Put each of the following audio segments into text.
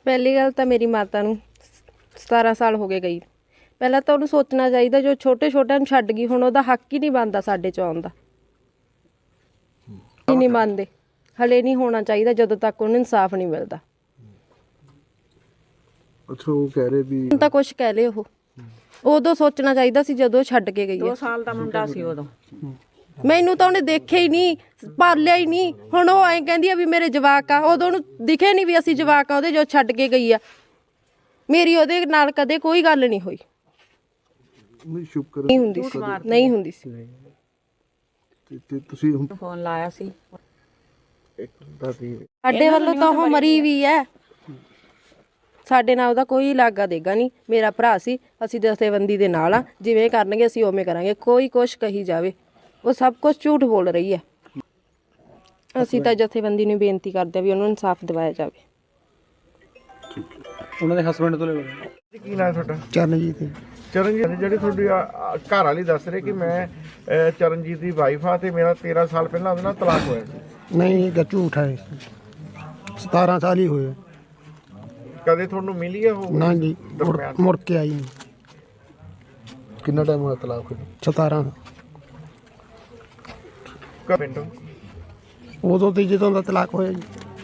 ਪਹਿਲੀ ਗੱਲ ਤਾਂ ਮੇਰੀ ਮਾਤਾ ਨੂੰ 17 ਸਾਲ ਹੋ ਗਏ ਗਈ। ਪਹਿਲਾਂ ਤਾਂ ਉਹਨੂੰ ਸੋਚਣਾ ਚਾਹੀਦਾ, ਜੋ ਛੋਟੇ ਛੋਟਿਆਂ ਨੂੰ ਛੱਡ ਗਈ, ਹੁਣ ਉਹਦਾ ਹੱਕ ਹੀ ਨਹੀਂ ਬਣਦਾ ਸਾਡੇ 'ਚ ਆਉਣ ਦਾ। ਹੀ ਨਹੀਂ ਮੰਨਦੇ, ਹਲੇ ਨਹੀਂ ਹੋਣਾ ਚਾਹੀਦਾ ਜਦੋਂ ਤੱਕ ਉਹਨੂੰ ਇਨਸਾਫ ਨਹੀਂ ਮਿਲਦਾ। ਅੱਛਾ, ਉਹ ਕਹਿ ਰਹੇ ਵੀ ਹੁਣ ਤਾਂ ਕੁਛ ਕਹਿ ਲਏ, ਉਹ ਉਦੋਂ ਸੋਚਣਾ ਚਾਹੀਦਾ ਸੀ ਜਦੋਂ ਛੱਡ ਕੇ ਗਈ। 2 ਸਾਲ ਦਾ ਮੁੰਡਾ ਸੀ ਉਦੋਂ। ਮੈਨੂੰ ਤਾਂ ਉਹਨੇ ਦੇਖਿਆ ਹੀ ਨਹੀਂ, ਪਾਲਿਆ ਹੀ ਨਹੀਂ। ਹੁਣ ਉਹ ਐਂ ਕਹਿੰਦੀ ਆ ਵੀ ਮੇਰੇ ਜਵਾਕ ਆ, ਉਦੋਂ ਉਹਨੂੰ ਦਿਖੇ ਨਹੀਂ ਵੀ ਅਸੀਂ ਜਵਾਕ ਆ ਉਹਦੇ, ਜੋ ਛੱਡ ਕੇ ਗਈ ਆ। ਮੇਰੀ ਉਹਦੇ ਨਾਲ ਕਦੇ ਕੋਈ ਗੱਲ ਨਹੀਂ ਹੋਈ, ਨਹੀਂ ਸ਼ੁਕਰ ਨਹੀਂ ਹੁੰਦੀ ਸੀ, ਨਹੀਂ ਹੁੰਦੀ ਸੀ। ਤੇ ਤੁਸੀਂ ਹੁਣ ਫੋਨ ਲਾਇਆ ਸੀ। ਸਾਡੇ ਵੱਲੋਂ ਤਾਂ ਉਹ ਮਰੀ ਵੀ ਹੈ, ਸਾਡੇ ਨਾਲ ਉਹਦਾ ਕੋਈ ਲਾਗਾ ਦੇਗਾ ਨਹੀਂ। ਮੇਰਾ ਭਰਾ ਸੀ, ਅਸੀਂ ਜਥੇਬੰਦੀ ਦੇ ਨਾਲ ਆ, ਜਿਵੇਂ ਕਰਨਗੇ ਅਸੀਂ ਉਵੇਂ ਕਰਾਂਗੇ। ਕੋਈ ਕੁਛ ਕਹੀ ਜਾਵੇ, ਉਹ ਸਭ ਕੁਝ ਝੂਠ ਬੋਲ ਰਹੀ ਹੈ। ਅਸੀਂ ਤਾਂ ਜਥੇਬੰਦੀ ਨੂੰ ਬੇਨਤੀ ਕਰਦੇ ਆ ਵੀ ਉਹਨੂੰ ਇਨਸਾਫ ਦਿਵਾਇਆ ਜਾਵੇ। ਉਹਨਾਂ ਦੇ ਹਸਬੰਡ ਤੋਂ ਲੈ ਕੀ ਨਾਮ ਤੁਹਾਡਾ? ਚਰਨਜੀਤ ਚਰਨਜੀਤ, ਜਿਹੜੀ ਤੁਹਾਡੀ ਘਰ ਵਾਲੀ ਦੱਸ ਰਹੇ ਕਿ ਮੈਂ ਚਰਨਜੀਤ ਦੀ ਵਾਈਫ ਆ ਤੇ ਮੇਰਾ 13 ਸਾਲ ਪਹਿਲਾਂ ਉਹਦੇ ਨਾਲ ਤਲਾਕ ਹੋਇਆ ਸੀ। ਨਹੀਂ, ਇਹ ਝੂਠ ਹੈ। 17 ਸਾਲ ਹੀ ਹੋਏ। ਕਦੇ ਤੁਹਾਨੂੰ ਮਿਲੀ ਹੈ ਉਹ? ਨਾ ਜੀ, ਦਰਮਿਆਨ ਮੁੜ ਕੇ ਆਈ ਨਹੀਂ। ਕਿੰਨਾ ਟਾਈਮ ਹੋਇਆ ਤਲਾਕ ਹੋਏ? 17। ਪਿੰਡੋਂ ਉਦੋਂ ਤੇ ਜਦੋਂ ਦਾ ਤਲਾਕ ਹੋਇਆ ਜੀ,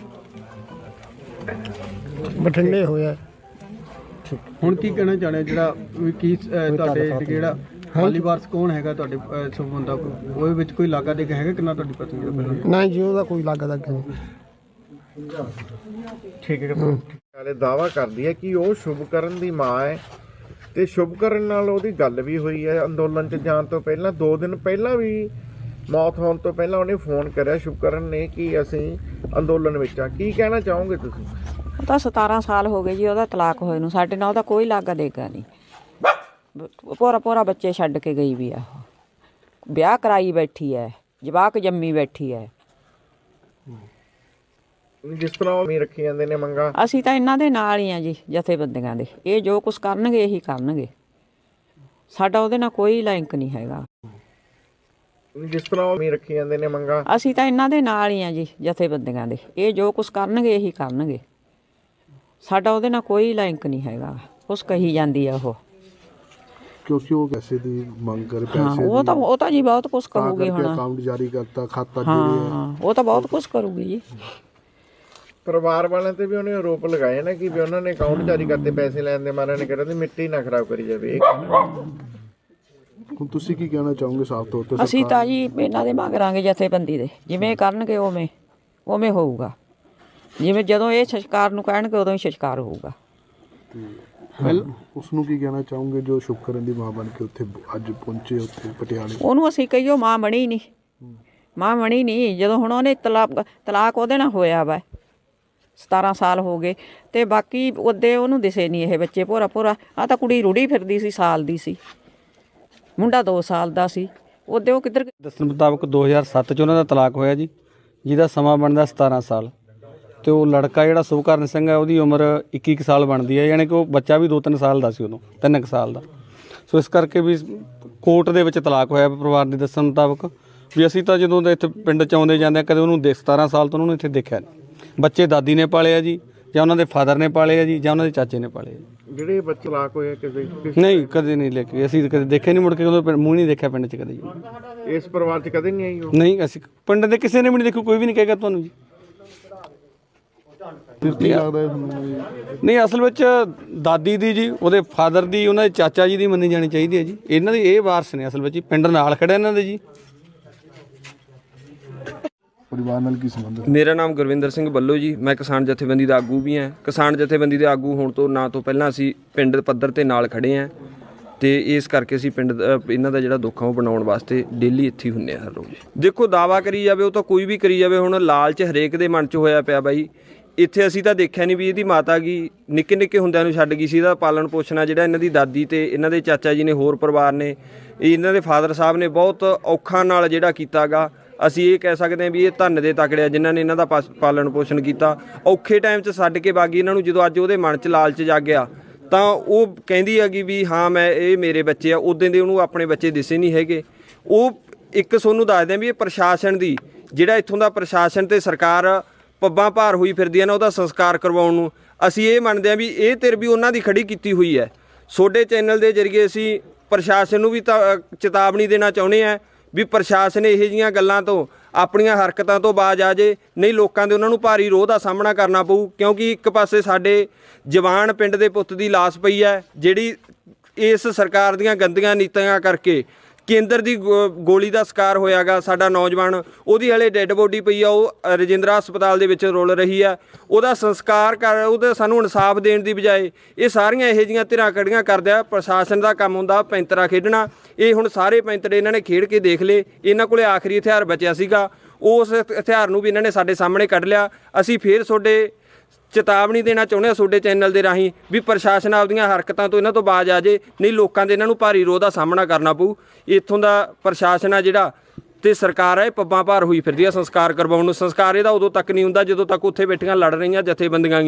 ਬਠਿੰਡੇ ਹੋਇਆ। ਹੁਣ ਕੀ ਕਹਿਣਾ ਚਾਹੁੰਦੇ ਜਿਹੜਾ ਵੀ ਕੀ ਤੁਹਾਡੇ ਜਿਹੜਾ ਮਾਲੀ ਵਾਰਸ ਕੌਣ ਹੈਗਾ ਤੁਹਾਡੇ ਸੰਬੰਧ ਦਾ? ਉਹਦੇ ਵਿੱਚ ਕੋਈ ਲਾਗਾ ਦੇ ਹੈਗਾ ਕਿੰਨਾ ਤੁਹਾਡੀ ਪਤਨੀ ਦਾ ਪਹਿਲਾਂ? ਨਾ ਜੀ, ਉਹਦਾ ਕੋਈ ਲੱਗਦਾ ਨਹੀਂ। ਠੀਕ ਹੈ। ਨਾਲੇ ਦਾਵਾ ਕਰਦੀ ਹੈ ਕਿ ਉਹ ਸ਼ੁਭਕਰਨ ਦੀ ਮਾਂ ਹੈ ਤੇ ਸ਼ੁਭਕਰਨ ਨਾਲ ਉਹਦੀ ਗੱਲ ਵੀ ਹੋਈ ਹੈ ਅੰਦੋਲਨ 'ਚ ਜਾਣ ਤੋਂ ਪਹਿਲਾਂ। 2 ਦਿਨ ਪਹਿਲਾਂ ਵੀ ਮੌਤ ਹੋਣ ਤੋਂ ਪਹਿਲਾਂ ਉਹਨੇ ਫੋਨ ਕਰਿਆ ਸ਼ੁਭਕਰਨ ਨੇ ਕਿ ਅਸੀਂ ਅੰਦੋਲਨ ਵਿੱਚ ਆ। ਕੀ ਕਹਿਣਾ ਚਾਹੋਗੇ ਤੁਸੀਂ? ਉਹ ਤਾਂ 17 ਸਾਲ ਹੋ ਗਏ ਜੀ ਉਹਦਾ ਤਲਾਕ ਹੋਏ ਨੂੰ। ਸਾਡੇ ਨਾਲ ਉਹਦਾ ਕੋਈ ਲਾਗਾ ਦੇਗਾ ਨਹੀਂ। ਪੂਰਾ ਬੱਚੇ ਛੱਡ ਕੇ ਗਈ ਵੀ ਆ। ਉਹ ਵਿਆਹ ਕਰਾਈ ਬੈਠੀ ਹੈ, ਜਵਾਕ ਜੰਮੀ ਬੈਠੀ ਹੈ। ਜਿਸ ਤਰ੍ਹਾਂ ਉਹ ਰੱਖੀ ਜਾਂਦੇ ਨੇ ਮੰਗਾ, ਅਸੀਂ ਤਾਂ ਇਹਨਾਂ ਦੇ ਨਾਲ ਹੀ ਆ ਜੀ, ਜਥੇਬੰਦੀਆਂ ਦੇ। ਇਹ ਜੋ ਕੁਛ ਕਰਨਗੇ ਇਹੀ ਕਰਨਗੇ, ਸਾਡਾ ਉਹਦੇ ਨਾਲ ਕੋਈ ਲਿੰਕ ਨਹੀਂ ਹੈਗਾ। ਜਿਸ ਤਰ੍ਹਾਂ ਉਹ ਰੱਖੀ ਜਾਂਦੇ ਨੇ ਮੰਗਾ, ਅਸੀਂ ਤਾਂ ਇਹਨਾਂ ਦੇ ਨਾਲ ਹੀ ਆ ਜੀ, ਜਥੇਬੰਦੀਆਂ ਦੇ। ਇਹ ਜੋ ਕੁਛ ਕਰਨਗੇ ਇਹੀ ਕਰਨਗੇ, ਸਾਡਾ ਉਹਦੇ ਨਾਲ ਕੋਈ ਲਿੰਕ ਨਹੀਂ ਹੈਗਾ। ਕੁਛ ਕਹੀ ਜਾਂਦੀ ਆ ਉਹ, ਕਿਉਂਕਿ ਉਹ ਪੈਸੇ ਦੀ ਮੰਗ ਕਰ ਹਾਂ। ਪੈਸੇ ਉਹ ਤਾਂ ਜੀ ਬਹੁਤ ਕੁਛ ਕਰੂਗੀ ਹੁਣ। ਅਕਾਊਂਟ ਜਾਰੀ ਕਰਤਾ, ਖਾਤਾ ਹਾਂ, ਉਹ ਤਾਂ ਬਹੁਤ ਕੁਛ ਕਰੂਗੀ ਜੀ। ਪਰਿਵਾਰ ਵਾਲਿਆਂ ਤੇ ਵੀ ਉਹਨੇ ਆਰੋਪ ਲਗਾਏ ਨਾ ਕਿ ਵੀ ਉਹਨਾਂ ਨੇ ਅਕਾਊਂਟ ਜਾਰੀ ਕਰਤੇ ਪੈਸੇ ਲੈਣ ਦੇ ਮਾਰਿਆਂ ਨੇ ਕਿਹਾ ਤੇ ਮਿੱਟੀ ਨਾ ਖਰਾਬ ਕਰੀ ਜਾਵੇ। ਹੁਣ ਤੁਸੀਂ ਕੀ ਕਹਿਣਾ ਚਾਹੋਗੇ ਸਾਫ਼ ਤੌਰ ਤੇ? ਅਸੀਂ ਤਾਂ ਜੀ ਇਹਨਾਂ ਦੇ ਮੰਗਾਂਗੇ ਜਥੇਬੰਦੀ ਦੇ, ਜਿਵੇਂ ਕਰਨਗੇ ਉਵੇਂ ਹੋਊਗਾ। ਜਿਵੇਂ ਜਦੋਂ ਇਹ ਸੰਸਕਾਰ ਨੂੰ ਕਹਿਣਗੇ ਉਦੋਂ ਹੀ ਸੰਸਕਾਰ ਹੋਊਗਾ। ਉਸ ਨੂੰ ਕੀ ਕਹਿਣਾ ਚਾਹੋਗੇ ਜੋ ਸ਼ੁਭਕਰਨ ਦੀ ਮਾਂ ਬਣ ਕੇ ਉੱਥੇ ਅੱਜ ਪਹੁੰਚੇ ਉੱਥੇ ਪਟਿਆਲੇ? ਉਹਨੂੰ ਅਸੀਂ ਕਹੀਓ ਮਾਂ ਬਣੀ ਨਹੀਂ। ਜਦੋਂ ਹੁਣ ਉਹਨੇ ਤਲਾਕ ਉਹਦੇ ਨਾਲ ਹੋਇਆ ਵਾ, 17 ਸਾਲ ਹੋ ਗਏ ਤੇ ਬਾਕੀ ਉਹਦੇ ਉਹਨੂੰ ਦਿਸੇ ਨਹੀਂ ਇਹ ਬੱਚੇ। ਭੋਰਾ ਆ ਤਾਂ ਕੁੜੀ ਰੁੜੀ ਫਿਰਦੀ ਸੀ, ਸਾਲ ਦੀ ਸੀ, ਮੁੰਡਾ 2 ਸਾਲ ਦਾ ਸੀ। ਉਹਦੇ ਉਹ ਕਿੱਧਰ? ਦੱਸਣ ਮੁਤਾਬਕ 2007 'ਚ ਉਹਨਾਂ ਦਾ ਤਲਾਕ ਹੋਇਆ ਜੀ, ਜਿਹਦਾ ਸਮਾਂ ਬਣਦਾ 17 ਸਾਲ। ਤੇ ਉਹ ਲੜਕਾ ਜਿਹੜਾ ਸੁਭਕਰਨ ਸਿੰਘ ਹੈ, ਉਹਦੀ ਉਮਰ 21 ਸਾਲ ਬਣਦੀ ਹੈ, ਯਾਨੀ ਕਿ ਉਹ ਬੱਚਾ ਵੀ 2-3 ਸਾਲ ਦਾ ਸੀ ਉਦੋਂ, 3 ਸਾਲ ਦਾ। ਸੋ ਇਸ ਕਰਕੇ ਵੀ ਕੋਰਟ ਦੇ ਵਿੱਚ ਤਲਾਕ ਹੋਇਆ ਪਰਿਵਾਰ ਦੇ ਦੱਸਣ ਮੁਤਾਬਕ। ਵੀ ਅਸੀਂ ਤਾਂ ਜਦੋਂ ਦੇ ਇੱਥੇ ਪਿੰਡ 'ਚ ਆਉਂਦੇ ਜਾਂਦੇ ਕਦੇ ਉਹਨੂੰ 17 ਸਾਲ ਤੋਂ ਉਹਨੂੰ ਇੱਥੇ ਦੇਖਿਆ ਨਹੀਂ। ਬੱਚੇ ਦਾਦੀ ਨੇ ਪਾਲੇ ਆ ਜੀ, ਜਾਂ ਉਹਨਾਂ ਦੇ ਫਾਦਰ ਨੇ ਪਾਲੇ ਆ ਜੀ, ਜਾਂ ਉਹਨਾਂ ਦੇ ਚਾਚੇ ਨੇ ਪਾਲੇ ਆ। ਜਿਹੜੇ ਬੱਚੇ ਤਲਾਕ ਹੋਏ ਕਿਸੇ ਨਹੀਂ, ਕਦੇ ਨਹੀਂ ਲੈ ਕੇ ਅਸੀਂ ਕਦੇ ਦੇਖੇ ਨਹੀਂ, ਮੁੜ ਕੇ ਉਦੋਂ ਮੂੰਹ ਨਹੀਂ ਦੇਖਿਆ ਪਿੰਡ 'ਚ ਕਦੇ ਜੀ। ਇਸ ਪਰਿਵਾਰ 'ਚ ਕਦੇ ਨਹੀਂ ਆਈ ਉਹ? ਨਹੀਂ, ਅਸੀਂ ਪਿੰਡ ਦੇ ਕਿਸੇ ਨੇ ਵੀ ਨਹੀਂ ਦੇਖਿਆ, ਕੋਈ ਵੀ ਨਹੀਂ ਕਹੇਗਾ ਤੁਹਾਨੂੰ ਜੀ। ਨਹੀਂ, ਅਸਲ ਵਿੱਚ ਦਾਦੀ ਦੀ ਜੀ, ਉਹਦੇ ਫਾਦਰ ਦੀ, ਉਹਨਾਂ ਦੇ ਚਾਚਾ ਜੀ ਦੀ ਮੰਨੀ ਜਾਣੀ ਚਾਹੀਦੀ ਹੈ ਜੀ। ਇਹਨਾਂ ਦੀ ਇਹ ਵਾਰਸ ਨੇ ਅਸਲ ਵਿੱਚ ਜੀ, ਪਿੰਡ ਨਾਲ ਖੜਾ ਇਹਨਾਂ ਦੇ ਜੀ। ਪਰਿਵਾਰ ਨਾਲ ਕੀ ਸੰਬੰਧ? ਮੇਰਾ ਨਾਮ ਗੁਰਵਿੰਦਰ ਸਿੰਘ ਬੱਲੋ ਜੀ, ਮੈਂ ਕਿਸਾਨ ਜਥੇਬੰਦੀ ਦਾ ਆਗੂ ਵੀ ਹਾਂ। ਕਿਸਾਨ ਜਥੇਬੰਦੀ ਦੇ ਆਗੂ ਹੋਣ ਤੋਂ ਨਾ ਤੋਂ ਪਹਿਲਾਂ ਅਸੀਂ ਪਿੰਡ ਪੱਧਰ 'ਤੇ ਨਾਲ ਖੜੇ ਹਾਂ ਤੇ ਇਸ ਕਰਕੇ ਅਸੀਂ ਪਿੰਡ ਇਹਨਾਂ ਦਾ ਜਿਹੜਾ ਦੁੱਖ ਆ ਉਹ ਬਣਾਉਣ ਵਾਸਤੇ ਡੇਲੀ ਇੱਥੇ ਹੀ ਹੁੰਦੇ ਹਾਂ ਹਰ ਰੋਜ਼। ਦੇਖੋ, ਦਾਵਾ ਕਰੀ ਜਾਵੇ ਉਹ ਤਾਂ ਕੋਈ ਵੀ ਕਰੀ ਜਾਵੇ, ਹੁਣ ਲਾਲਚ ਹਰੇਕ ਦੇ ਮਨ 'ਚ ਹੋਇਆ ਪਿਆ ਬਾਈ। ਇੱਥੇ ਅਸੀਂ ਤਾਂ ਦੇਖਿਆ ਨਹੀਂ ਵੀ ਇਹਦੀ ਮਾਤਾ ਗੀ ਨਿੱਕੇ ਹੁੰਦਿਆਂ ਨੂੰ ਛੱਡ ਗਈ ਸੀ। ਇਹਦਾ ਪਾਲਣ ਪੋਸ਼ਣਾ ਜਿਹੜਾ ਇਹਨਾਂ ਦੀ ਦਾਦੀ ਤੇ ਇਹਨਾਂ ਦੇ ਚਾਚਾ ਜੀ ਨੇ, ਹੋਰ ਪਰਿਵਾਰ ਨੇ, ਇਹਨਾਂ ਦੇ ਫਾਦਰ ਸਾਹਿਬ ਨੇ ਬਹੁਤ ਔਖਾ ਨਾਲ ਜਿਹੜਾ ਕੀਤਾ ਗਾ। ਅਸੀਂ ਇਹ ਕਹਿ ਸਕਦੇ ਹਾਂ ਵੀ ਇਹ ਧੰਨ ਦੇ ਤਕੜੇ ਆ ਜਿਨ੍ਹਾਂ ਨੇ ਇਹਨਾਂ ਦਾ ਪਾਲਣ ਪੋਸ਼ਣ ਕੀਤਾ। ਔਖੇ ਟਾਈਮ 'ਚ ਛੱਡ ਕੇ ਬਾਗੀ ਇਹਨਾਂ ਨੂੰ। ਜਦੋਂ ਅੱਜ ਉਹਦੇ ਮਨ 'ਚ ਲਾਲਚ ਜਾਗਿਆ ਤਾਂ ਉਹ ਕਹਿੰਦੀ ਹੈਗੀ ਵੀ ਹਾਂ ਇਹ ਮੇਰੇ ਬੱਚੇ ਆ। ਉਦੋਂ ਦੇ ਉਹਨੂੰ ਆਪਣੇ ਬੱਚੇ ਦਿਸੇ ਨਹੀਂ ਹੈਗੇ। ਉਹ ਇੱਕ ਤੁਹਾਨੂੰ ਦੱਸਦੇ ਵੀ ਇਹ ਪ੍ਰਸ਼ਾਸਨ ਦੀ, ਜਿਹੜਾ ਇੱਥੋਂ ਦਾ ਪ੍ਰਸ਼ਾਸਨ ਤੇ ਸਰਕਾਰ ਪੱਬਾਂ ਭਾਰ ਹੋਈ ਫਿਰਦੀ ਹੈ ਨਾ ਉਹਦਾ ਸੰਸਕਾਰ ਕਰਵਾਉਣ ਨੂੰ। ਅਸੀਂ ਇਹ ਮੰਨਦੇ ਹਾਂ ਵੀ ਇਹ ਧਿਰ ਵੀ ਉਹਨਾਂ ਦੀ ਖੜੀ ਕੀਤੀ ਹੋਈ ਹੈ। ਤੁਹਾਡੇ ਚੈਨਲ ਦੇ ਜ਼ਰੀਏ ਅਸੀਂ ਪ੍ਰਸ਼ਾਸਨ ਨੂੰ ਵੀ ਚੇਤਾਵਨੀ ਦੇਣਾ ਚਾਹੁੰਦੇ ਹਾਂ ਵੀ ਪ੍ਰਸ਼ਾਸਨ ਇਹੋ ਜਿਹੀਆਂ ਗੱਲਾਂ ਤੋਂ ਆਪਣੀਆਂ ਹਰਕਤਾਂ ਤੋਂ ਬਾਜ਼ ਆ ਜੇ, ਨਹੀਂ ਲੋਕਾਂ ਦੇ ਉਹਨਾਂ ਨੂੰ ਭਾਰੀ ਰੋਹ ਦਾ ਸਾਹਮਣਾ ਕਰਨਾ ਪਊ। ਕਿਉਂਕਿ ਇੱਕ ਪਾਸੇ ਸਾਡੇ ਜਵਾਨ ਪਿੰਡ ਦੇ ਪੁੱਤ ਦੀ ਲਾਸ਼ ਪਈ ਹੈ, ਜਿਹੜੀ ਇਸ ਸਰਕਾਰ ਦੀਆਂ ਗੰਦੀਆਂ ਨੀਤੀਆਂ ਕਰਕੇ ਕੇਂਦਰ ਦੀ ਗੋਲੀ ਦਾ ਸ਼ਿਕਾਰ ਹੋਇਆਗਾ ਸਾਡਾ ਨੌਜਵਾਨ। ਉਹਦੀ ਹਲੇ ਡੈੱਡ ਬੋਡੀ ਪਈ ਆ, ਉਹ ਰਜਿੰਦਰਾ ਹਸਪਤਾਲ ਦੇ ਵਿੱਚ ਰੁਲ ਰਹੀ ਆ। ਉਹਦਾ ਸੰਸਕਾਰ ਉਹਦਾ ਸਾਨੂੰ ਇਨਸਾਫ ਦੇਣ ਦੀ ਬਜਾਏ ਇਹ ਸਾਰੀਆਂ ਇਹੋ ਜਿਹੀਆਂ ਧਿਰਾਂ ਖੜੀਆਂ ਕਰਦੇ ਆ। ਪ੍ਰਸ਼ਾਸਨ ਦਾ ਕੰਮ ਹੁੰਦਾ ਪੈਂਤਰਾ ਖੇਡਣਾ। ਇਹ ਹੁਣ ਸਾਰੇ ਪੈਂਤਰੇ ਇਹਨਾਂ ਨੇ ਖੇਡ ਕੇ ਦੇਖ ਲਏ। ਇਹਨਾਂ ਕੋਲੇ ਆਖਰੀ ਹਥਿਆਰ ਬਚਿਆ ਸੀਗਾ, ਉਸ ਹਥਿਆਰ ਨੂੰ ਵੀ ਇਹਨਾਂ ਨੇ ਸਾਡੇ ਸਾਹਮਣੇ ਕੱਢ ਲਿਆ। ਅਸੀਂ ਫੇਰ ਤੁਹਾਡੇ ਚੇਤਾਵਨੀ ਦੇਣਾ ਚਾਹੁੰਦੇ ਹਾਂ ਤੁਹਾਡੇ ਚੈਨਲ ਦੇ ਰਾਹੀਂ ਵੀ ਪ੍ਰਸ਼ਾਸਨ ਆਪਦੀਆਂ ਹਰਕਤਾਂ ਤੋਂ ਇਹਨਾਂ ਤੋਂ ਬਾਜ਼ ਆ ਜੇ, ਨਹੀਂ ਲੋਕਾਂ ਦੇ ਇਹਨਾਂ ਨੂੰ ਭਾਰੀ ਰੋਹ ਦਾ ਸਾਹਮਣਾ ਕਰਨਾ ਪਊ। ਇੱਥੋਂ ਦਾ ਪ੍ਰਸ਼ਾਸਨ ਆ ਜਿਹੜਾ ਤੇ ਸਰਕਾਰ ਹੈ, ਪੱਬਾਂ ਭਾਰ ਹੋਈ ਫਿਰਦੀ ਆ ਸੰਸਕਾਰ ਕਰਵਾਉਣ ਨੂੰ। ਸੰਸਕਾਰ ਇਹਦਾ ਉਦੋਂ ਤੱਕ ਨਹੀਂ ਹੁੰਦਾ ਜਦੋਂ ਤੱਕ ਉੱਥੇ ਬੈਠੀਆਂ ਲੜ ਰਹੀਆਂ ਜਥੇਬੰਦੀਆਂ